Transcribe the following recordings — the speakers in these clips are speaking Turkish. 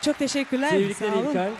Çok teşekkürler. Tebrikler Sağ olun. İlkay.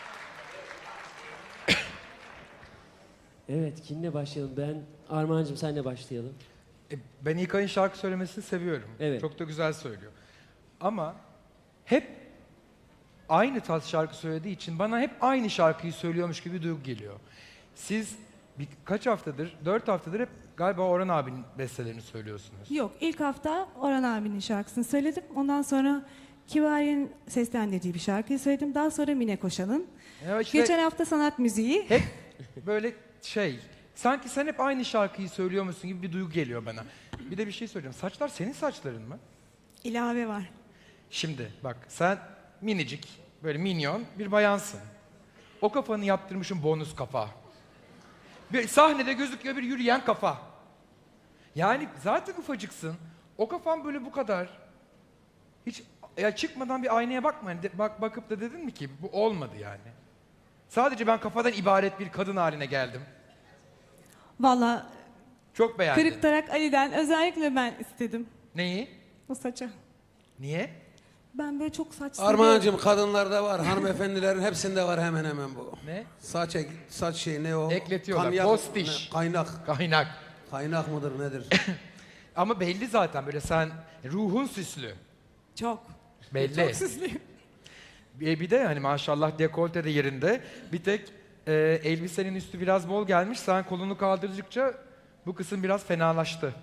Evet, kimle başlayalım? Armağan'cığım senle başlayalım. Ben İlkay'ın şarkı söylemesini seviyorum. Evet. Çok da güzel söylüyor. Ama hep aynı tarz şarkı söylediği için bana hep aynı şarkıyı söylüyormuş gibi bir duygu geliyor. Siz kaç haftadır, 4 haftadır hep galiba Orhan abinin bestelerini söylüyorsunuz. Yok, ilk hafta Orhan abinin şarkısını söyledim. Ondan sonra Kibariye'nin seslendirdiği bir şarkıyı söyledim. Daha sonra Mine Koşan'ın. Ya işte Geçen hafta sanat müziği. hep böyle sanki sen hep aynı şarkıyı söylüyormuşsun gibi bir duygu geliyor bana. Bir de bir şey söyleyeceğim. Saçlar senin saçların mı? ilave var. Şimdi bak sen minicik, böyle minyon bir bayansın. O kafanı yaptırmışım bonus kafa. Bir sahnede gözüküyor bir yürüyen kafa. Yani zaten ufacıksın. O kafan böyle bu kadar. Hiç ya çıkmadan bir aynaya bakma. Hani bakıp da dedin mi ki bu olmadı yani. Sadece ben kafadan ibaret bir kadın haline geldim. Valla Çok beğendim. Kırık Tarak Ali'den özellikle ben istedim Neyi? o saçı. Niye? Ben böyle çok saç seviyorum. Armağan'cığım kadınlarda var, hanımefendilerin hepsinde var hemen hemen bu. Ne? Saç şey ne o? Ekletiyorlar, Kanyak- postiş. ne, Kaynak. Kaynak. Kaynak mıdır nedir? Ama belli zaten böyle sen ruhun süslü. Çok. Belli. Çok süslüyüm. Bir de hani maşallah dekolte de yerinde. Bir tek elbisenin üstü biraz bol gelmiş. Sen kolunu kaldırdıkça bu kısım biraz fenalaştı.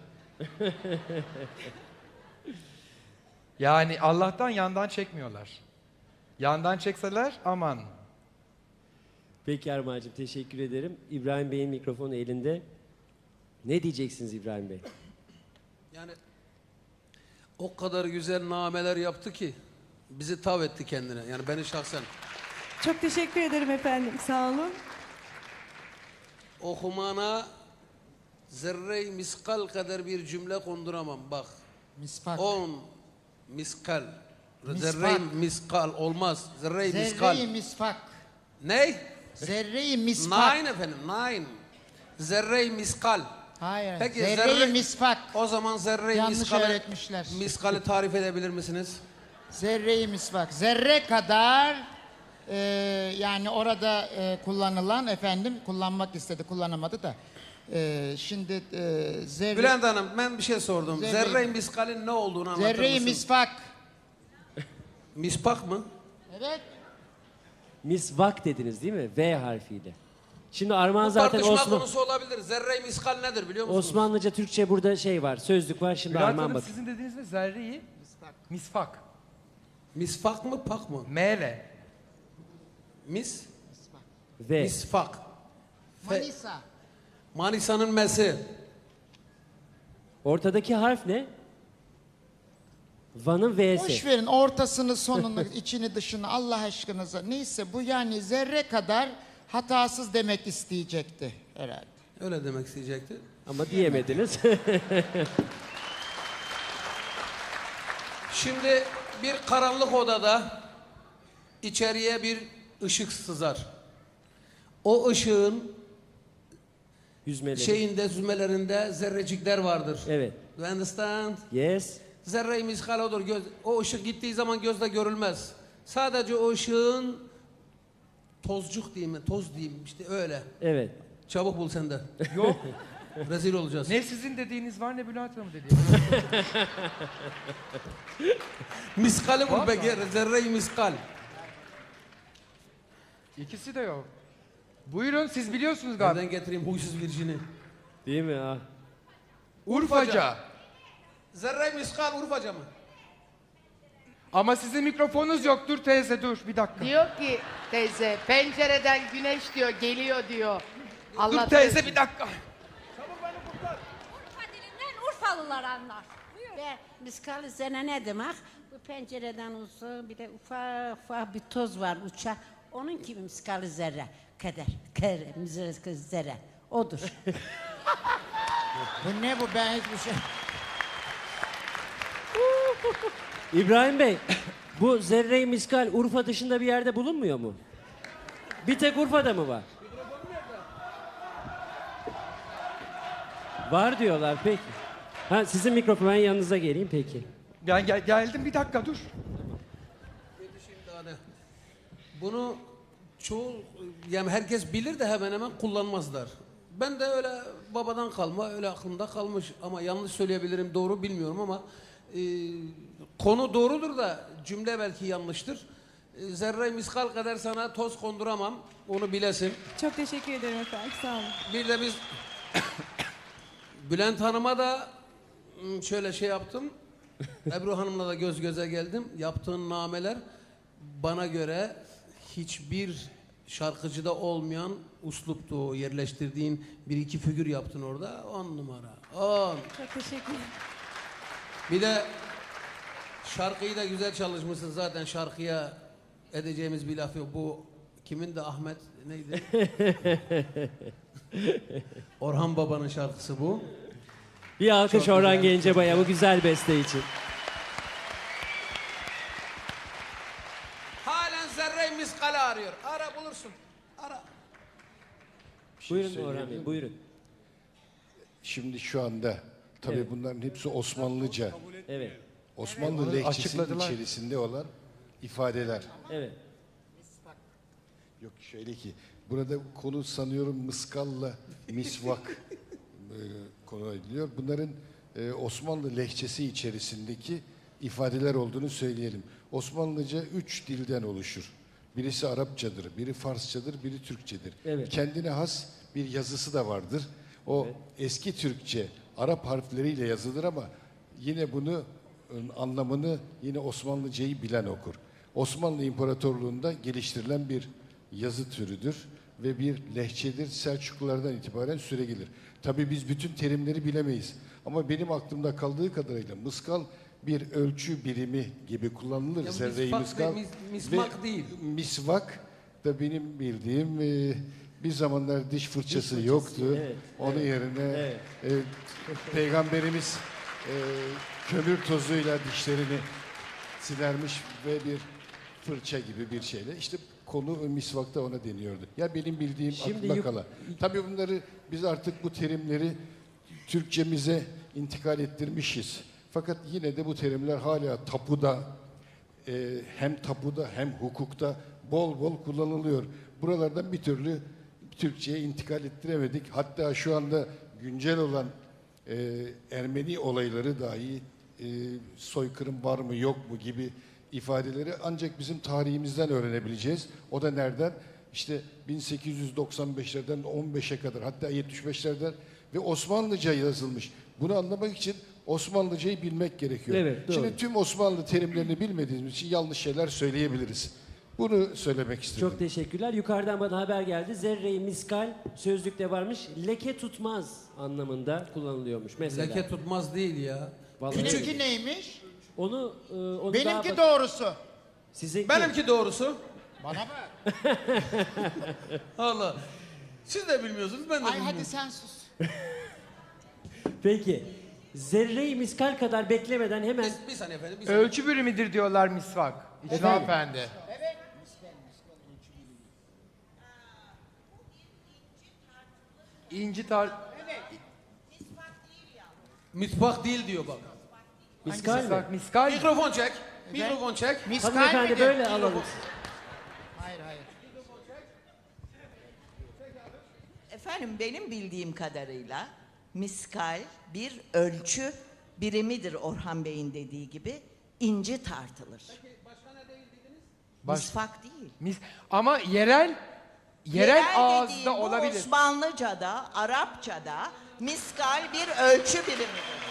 Yani Allah'tan yandan çekmiyorlar. Yandan çekseler aman. Peki Armağan'cığım teşekkür ederim. İbrahim Bey'in mikrofonu elinde. Ne diyeceksiniz İbrahim Bey? Yani o kadar güzel nameler yaptı ki bizi tav etti kendine. Yani beni şahsen. Çok teşekkür ederim efendim. Sağ olun. Okumana zerre-i miskal kadar bir cümle konduramam bak. Misfak. 10 miskal. Misfak. Zerre-i miskal olmaz. Zerre-i miskal. Zerre-i misfak. Ne? Zerre-i misfak. Nine efendim, nine. Zerre-i miskal. Hayır. Peki, Zerre-i misfak. O zaman zerre-i Yanlış miskali, öğretmişler. miskali tarif edebilir misiniz? Zerre-i misvak. Zerre kadar yani orada kullanılan efendim kullanmak istedi kullanamadı da şimdi zerre Bülent Hanım ben bir şey sordum. Zerre- Zerre-i miskalin ne olduğunu anlatır zerre-i mısın? misfak. Mispak mı? Evet. Misvak dediniz değil mi? V harfiyle. Şimdi Armağan Bu zaten tartışma konusu olabilir. Zerre-i miskal nedir biliyor musunuz? Osmanlıca, Türkçe burada şey var, sözlük var. Şimdi Bülent Armağan Hanım bak. sizin dediğiniz ne? Zerreyi? Misfak. Misfak mı pak mı? M-le. V. Misfak. Manisa. Manisa'nın mesi. Ortadaki harf ne? Van'ın V'si. Boş verin ortasını sonunu içini dışını Allah aşkınıza. Neyse bu yani zerre kadar hatasız demek isteyecekti herhalde. Öyle demek isteyecekti. Ama diyemediniz. Şimdi bir karanlık odada içeriye bir ışık sızar. O ışığın Yüzmeleri. şeyinde, zümelerinde zerrecikler vardır. Evet. You understand? Yes. Zerre-i miskal odur. O ışık gittiği zaman gözle görülmez. Sadece o ışığın tozcuk diyeyim mi? Toz diyeyim işte öyle. Evet. Çabuk bul sen de. Yok. Rezil olacağız. Ne sizin dediğiniz var ne Bülent Hanım dediğiniz. Miskali bul Vallahi. peki. Zerre-i miskal. İkisi de yok. Buyurun siz biliyorsunuz galiba. Nereden getireyim huysuz virjini? Değil mi? Ah. Urfaca. Zerre-i miskal Urfaca mı? Ama sizin mikrofonunuz yok. Dur teyze dur bir dakika. Diyor ki teyze pencereden güneş diyor geliyor diyor. Allah Dur teyze korusun. bir dakika. Urfa dilinden Urfalılar anlar. Ve miskal zene ne demek? Bu pencereden uzun bir de ufak bir toz var uçak. Onun gibi miskal zerre. Kader, miskal zerre. Odur. Bu ne bu ben hiçbir şey. İbrahim Bey, bu zerre-i miskal Urfa dışında bir yerde bulunmuyor mu? Bir tek Urfa'da mı var? Var diyorlar peki. Ha sizin mikrofon ben yanınıza geleyim peki. Geldim bir dakika dur. Yetişeyim daha ne? Bunu çoğu, yani herkes bilir de hemen hemen kullanmazlar. Ben de öyle babadan kalma, öyle aklımda kalmış ama yanlış söyleyebilirim, doğru bilmiyorum ama konu doğrudur da cümle belki yanlıştır. Zerre miskal kadar sana toz konduramam, onu bilesin. Çok teşekkür ederim efendim. Sağ olun. Bir de biz Bülent Hanım'a da şöyle şey yaptım. Ebru Hanım'la da göz göze geldim. Yaptığın nameler bana göre hiçbir şarkıcıda olmayan usluptu. Yerleştirdiğin bir iki figür yaptın orada. 10 numara. 10. Çok teşekkür ederim. Bir de şarkıyı da güzel çalışmışsın. Zaten şarkıya edeceğimiz bir laf yok. Bu kimin de Ahmet neydi? Orhan Baba'nın şarkısı bu. Bir alkış Çok Orhan güzel, Gencebay'a bu güzel beste için. Halen zerre miskale arıyor. Ara bulursun. Ara. Buyurun Orhan Bey, buyurun. Şimdi şu anda tabii Evet. bunların hepsi Osmanlıca, Evet, Osmanlı Onları lehçesinin açıkladılar. içerisinde olan ifadeler. evet. Yok şöyle ki burada konu sanıyorum mıskalla misvak konu ediliyor. Bunların Osmanlı lehçesi içerisindeki ifadeler olduğunu söyleyelim. Osmanlıca 3 dilden oluşur. Birisi Arapçadır, biri Farsçadır, biri Türkçedir. Evet. Kendine has bir yazısı da vardır. O eski Türkçe Arap harfleriyle yazılır ama yine bunu anlamını yine Osmanlıcayı bilen okur. Osmanlı İmparatorluğu'nda geliştirilen bir yazı türüdür ve bir lehçedir. Selçuklulardan itibaren süregelir. Tabii biz bütün terimleri bilemeyiz. Ama benim aklımda kaldığı kadarıyla mıskal bir ölçü birimi gibi kullanılır. Ya Zerre-i misvak mıskal. ve mismak Ve değil. Misvak da benim bildiğim bir zamanlar diş fırçası yoktu. evet, Onun yerine evet. Peygamberimiz kömür tozuyla dişlerini silermiş ve bir fırça gibi bir şeyle. İşte konu misvakta ona deniyordu. Ya benim bildiğim Şimdi aklımda kalan. Tabii bunları biz artık bu terimleri Türkçemize intikal ettirmişiz. Fakat yine de bu terimler hala tapuda, hem tapuda hem hukukta bol bol kullanılıyor. Buralardan bir türlü Türkçe'ye intikal ettiremedik. Hatta şu anda güncel olan Ermeni olayları dahi soykırım var mı yok mu gibi ifadeleri ancak bizim tarihimizden öğrenebileceğiz. O da nereden? İşte 1895'lerden 15'e kadar hatta 75'lerden ve Osmanlıca yazılmış. Bunu anlamak için Osmanlıcayı bilmek gerekiyor. Evet, doğru. Şimdi tüm Osmanlı terimlerini bilmediğimiz için yanlış şeyler söyleyebiliriz. Bunu söylemek istedim. Çok teşekkürler. Yukarıdan bana haber geldi. Zerre-i miskal sözlükte varmış. Leke tutmaz anlamında kullanılıyormuş mesela. Leke tutmaz değil ya. Vallahi Benimki neymiş? onu Benimki doğrusu. Sizinki. Benimki doğrusu. Bana bak. Allah. Siz de bilmiyorsunuz, ben de Ay bilmiyorum. hadi sen sus. Peki. Zerre-i miskal kadar beklemeden hemen Bir saniye efendim. Bir saniye. Ölçü birimidir diyorlar misvak. İslam Efendi. İnci tar... Misvak değil diyor bak. miskal mi? Misvak, miskal. Mikrofon çek. Mikrofon çek. Miskal Hanımefendi midir? böyle alalım. Hayır hayır. Efendim benim bildiğim kadarıyla miskal bir ölçü birimidir Orhan Bey'in dediği gibi. İnci tartılır. Misvak değil. Ama yerel ağızda dediğim bu olabilir. Osmanlıca'da, Arapça'da miskal bir ölçü birimidir.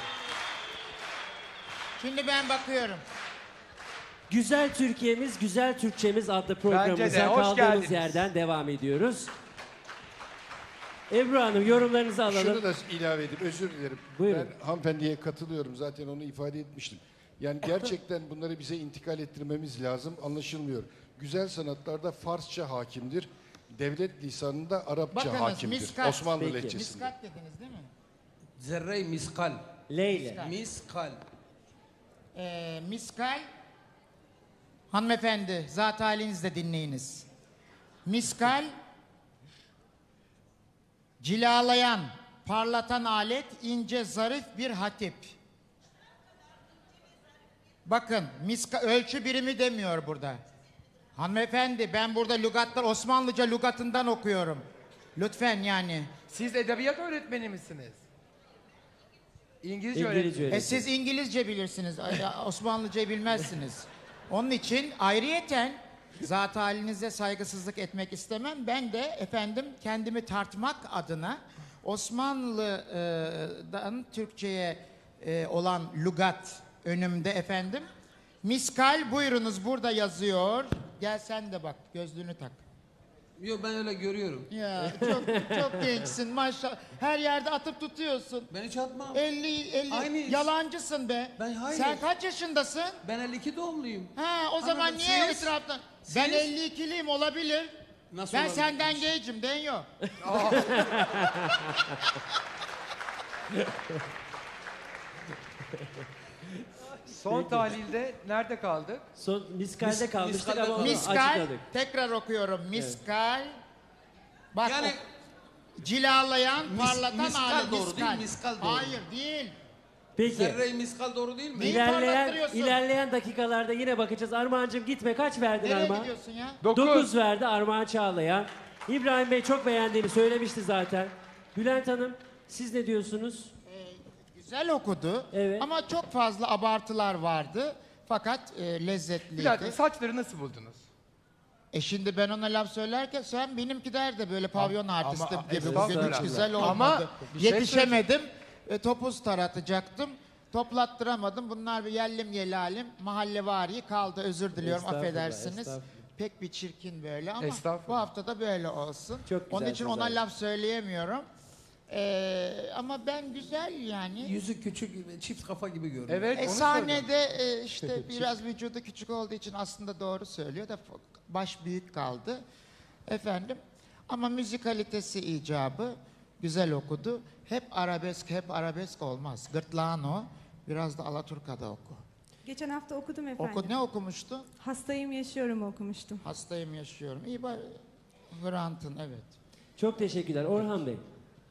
Şimdi ben bakıyorum. Güzel Türkiye'miz, Güzel Türkçemiz adlı programımıza hoş kaldığımız geldiniz. yerden devam ediyoruz. Ebru Hanım yorumlarınızı alalım. Şunu da ilave edeyim, özür dilerim. Buyurun. Ben hanımefendiye katılıyorum, zaten onu ifade etmiştim. Yani gerçekten bunları bize intikal ettirmemiz lazım, anlaşılmıyor. Güzel sanatlarda Farsça hakimdir, devlet lisanında Arapça Bakınız, hakimdir. miskat. Osmanlı Peki. lehçesinde. Miskat dediniz değil mi? Zerre-i miskal. Leyle. Miskal. Miskal, hanımefendi zat halinizle dinleyiniz. Miskal, cilalayan, parlatan alet, ince, zarif bir hatip. Bakın, ölçü birimi demiyor burada. Hanımefendi ben burada lügatlar Osmanlıca lügatından okuyorum. Lütfen yani. Siz edebiyat öğretmeni misiniz? İngilizce İngilizce öğretmeni. öğretmen. Siz İngilizce bilirsiniz. Osmanlıcayı bilmezsiniz. Onun için ayrıyeten zat halinize saygısızlık etmek istemem. Ben de efendim kendimi tartmak adına Osmanlı'dan Türkçe'ye olan lügat önümde efendim. Miskal buyurunuz burada yazıyor. Gel sen de bak gözlüğünü tak. Yok ben öyle görüyorum. Ya çok gençsin maşallah. Her yerde atıp tutuyorsun. Ben hiç atmam. 50 Aynı iş. yalancısın be. Ben hayır. Sen kaç yaşındasın? Ben 52 doğumluyum. Ha o zaman Anladım. niye Siz? etraftan? Siz? Ben 52'liyim olabilir. Nasıl Ben olabilir? senden gencim Denyo. Son tahlilde nerede kaldık? Son miskalde kalmıştık miskalde ama onu Miskal açıkladık. tekrar okuyorum. Miskal. Bak Yani- cilalayan, parlatan miskal hali doğru değil, miskal doğru. Hayır değil. Peki. Zerre-i miskal doğru değil mi? Neyi İlerleyen, parlattırıyorsun? ilerleyen dakikalarda yine bakacağız. Armağan'cığım gitme. Kaç verdin Nereye Armağan? gidiyorsun ya? 9 verdi Armağan Çağlayan. İbrahim Bey çok beğendiğini söylemişti zaten. Bülent Hanım siz ne diyorsunuz? Güzel okudu Evet. ama çok fazla abartılar vardı. Fakat lezzetliydi. Bir dakika saçları nasıl buldunuz? Şimdi ben ona laf söylerken sen benimki derdi böyle pavyon artisti ama- gibi bugün estağfurullah. hiç güzel olmadı. Ama bir şey Yetişemedim. Topuz taratacaktım. Toplattıramadım. Bunlar bir yellim yelalim mahallevari kaldı. Özür diliyorum Estağfurullah, affedersiniz. estağfurullah. Pek bir çirkin böyle ama Estağfurullah. bu hafta da böyle olsun. Çok Onun için güzelsiniz ona abi. laf söyleyemiyorum. Ama ben güzel yani. Yüzü küçük, çift kafa gibi görünüyor. Evet onu söyledim. Sahnede işte biraz vücudu küçük olduğu için aslında doğru söylüyor da baş büyük kaldı. Efendim ama müzikalitesi icabı güzel okudu. Hep arabesk olmaz. Gırtlağın o. Biraz da Alaturka'da oku. Geçen hafta okudum efendim. Ne okumuştu? Hastayım yaşıyorum okumuştum. Hastayım yaşıyorum. İyi bak. Hrant'ın evet. Çok teşekkürler. Orhan Bey.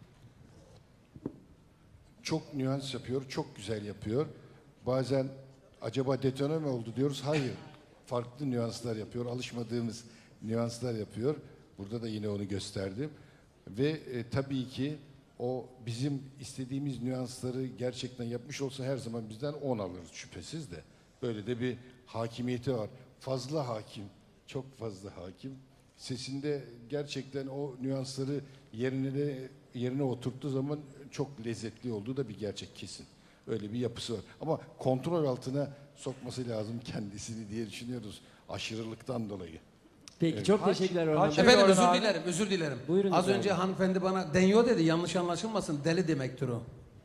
Çok nüans yapıyor, çok güzel yapıyor. Bazen acaba detone mi oldu diyoruz. Hayır. Farklı nüanslar yapıyor. Alışmadığımız nüanslar yapıyor. Burada da yine onu gösterdim. Ve tabii ki o bizim istediğimiz nüansları gerçekten yapmış olsa her zaman bizden 10 alırız şüphesiz de. Böyle de bir hakimiyeti var. Fazla hakim, çok fazla hakim. Sesinde gerçekten o nüansları yerine oturttuğu zaman çok lezzetli olduğu da bir gerçek kesin. Öyle bir yapısı var. Ama kontrol altına sokması lazım kendisini diye düşünüyoruz aşırılıktan dolayı. Peki çok teşekkürler Orhan kaç- Bey. Efendim Orhan özür abi. dilerim, özür dilerim. Buyurun Az efendim. önce hanımefendi bana denyo dedi, yanlış anlaşılmasın, deli demektir o.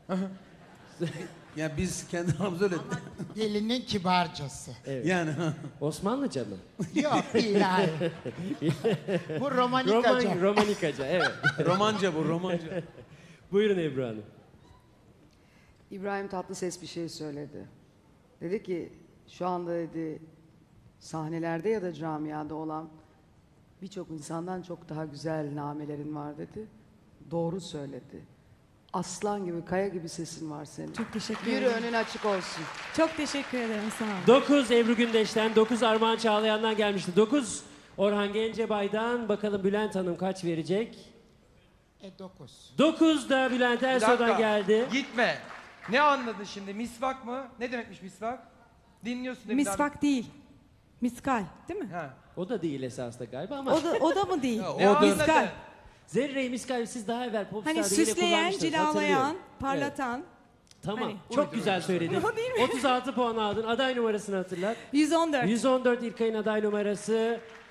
Ya biz kendi aramızda öyle... Gelinin kibarcası. Yani Osmanlıca mı? Yok billahi. Bu romanikaca. Romanikaca evet. romanca bu, romanca. Buyurun Ebru Hanım. İbrahim Tatlıses bir şey söyledi. Dedi ki şu anda dedi sahnelerde ya da camiada olan birçok insandan çok daha güzel namelerin var dedi. Doğru söyledi. Aslan gibi, kaya gibi sesin var senin. Çok teşekkür Yürü ederim. önün açık olsun. Çok teşekkür ederim sağ olun. 9 Ebru Gündeş'ten, 9 Armağan Çağlayan'dan gelmişti. 9 Orhan Gencebay'dan. Bakalım Bülent Hanım kaç verecek? 9. 9 da Bülent Bir Ersoy'dan dakika, geldi. Gitme. Ne anladın şimdi? Misvak mı? Ne demekmiş misvak? Dinliyorsun değil mi? Misvak değil. Miskal değil mi? Ha. O da değil esasında galiba ama. O da mı değil? Ne anladın? Miskal. Zerre-i Miskal siz daha evvel Popstar'da Hani yine süsleyen, kullanmıştınız, cilalayan, hatırlıyorum. parlatan. Tamam. Hani- Çok güzel söyledin. O değil mi? 36 puan aldın. Aday numarasını hatırlat. 114. 114 İlkay'ın aday numarası.